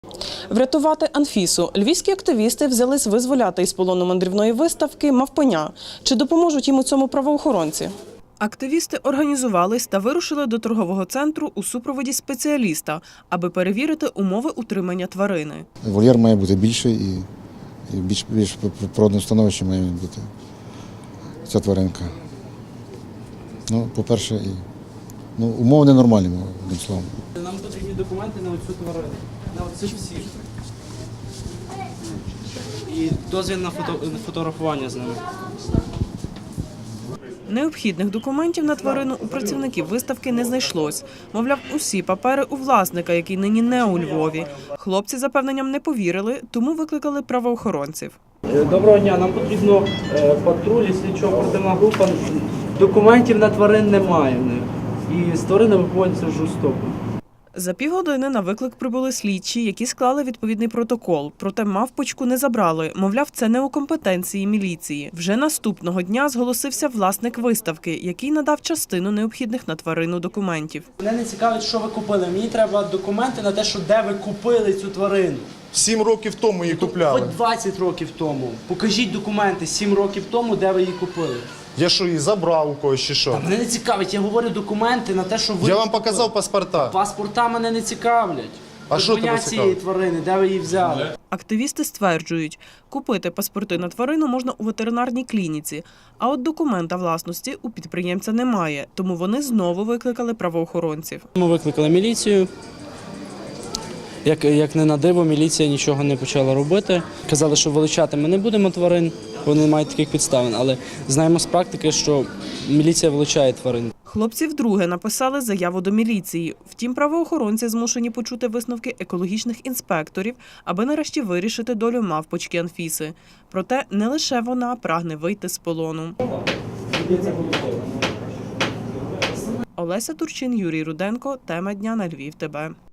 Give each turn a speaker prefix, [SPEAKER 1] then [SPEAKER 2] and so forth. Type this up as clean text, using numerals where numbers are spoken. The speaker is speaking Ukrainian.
[SPEAKER 1] Врятувати Анфісу. Львівські активісти взялись визволяти із полону мандрівної виставки «Мавпеня». Чи допоможуть їм у цьому правоохоронці? Активісти організувались та вирушили до торгового центру у супроводі спеціаліста, аби перевірити умови утримання тварини.
[SPEAKER 2] Вольєр має бути більший і більш природне становище має бути ця тваринка. Ну, по-перше, умови ненормальні, одним словом.
[SPEAKER 3] Нам потрібні документи на оцю тварину, на оцих всіх. І дозвіл на фотографування з ними.
[SPEAKER 1] Необхідних документів на тварину у працівників виставки не знайшлось. Мовляв, усі папери у власника, який нині не у Львові. Хлопці запевненням не повірили, тому викликали правоохоронців.
[SPEAKER 3] Доброго дня, нам потрібно патруль і слідчо-оперативна група. Документів на тварин немає в них. І з тваринами поводяться жорстоко.
[SPEAKER 1] За півгодини на виклик прибули слідчі, які склали відповідний протокол. Проте мавпочку не забрали. Мовляв, це не у компетенції міліції. Вже наступного дня зголосився власник виставки, який надав частину необхідних на тварину документів.
[SPEAKER 3] Мене не цікавить, що ви купили. Мені треба документи на те, що де ви купили цю тварину.
[SPEAKER 4] 7 років тому її купляли.
[SPEAKER 3] Хоч 20 років тому. Покажіть документи 7 років тому, де ви її купили.
[SPEAKER 4] Я що, її забрав у когось чи що?
[SPEAKER 3] Мене не цікавить, я говорю документи на те, що ви
[SPEAKER 4] Я вам
[SPEAKER 3] купили.
[SPEAKER 4] показав паспорта.
[SPEAKER 3] Паспорта мене не цікавлять.
[SPEAKER 4] А що тебе
[SPEAKER 3] Коня цієї
[SPEAKER 4] цікавить?
[SPEAKER 3] тварини, де ви її взяли?
[SPEAKER 1] Активісти стверджують, купити паспорти на тварину можна у ветеринарній клініці, а от документа власності у підприємця немає, тому вони знову викликали правоохоронців.
[SPEAKER 3] Ми викликали міліцію. Як не на диво, міліція нічого не почала робити. Казали, що вилучати ми не будемо тварин, вони не мають таких підставин, але знаємо з практики, що міліція вилучає тварин.
[SPEAKER 1] Хлопці вдруге написали заяву до міліції. Втім, правоохоронці змушені почути висновки екологічних інспекторів, аби нарешті вирішити долю мавпочки Анфіси. Проте не лише вона прагне вийти з полону. Олеся Турчин, Юрій Руденко. Тема дня на Львів ТБ.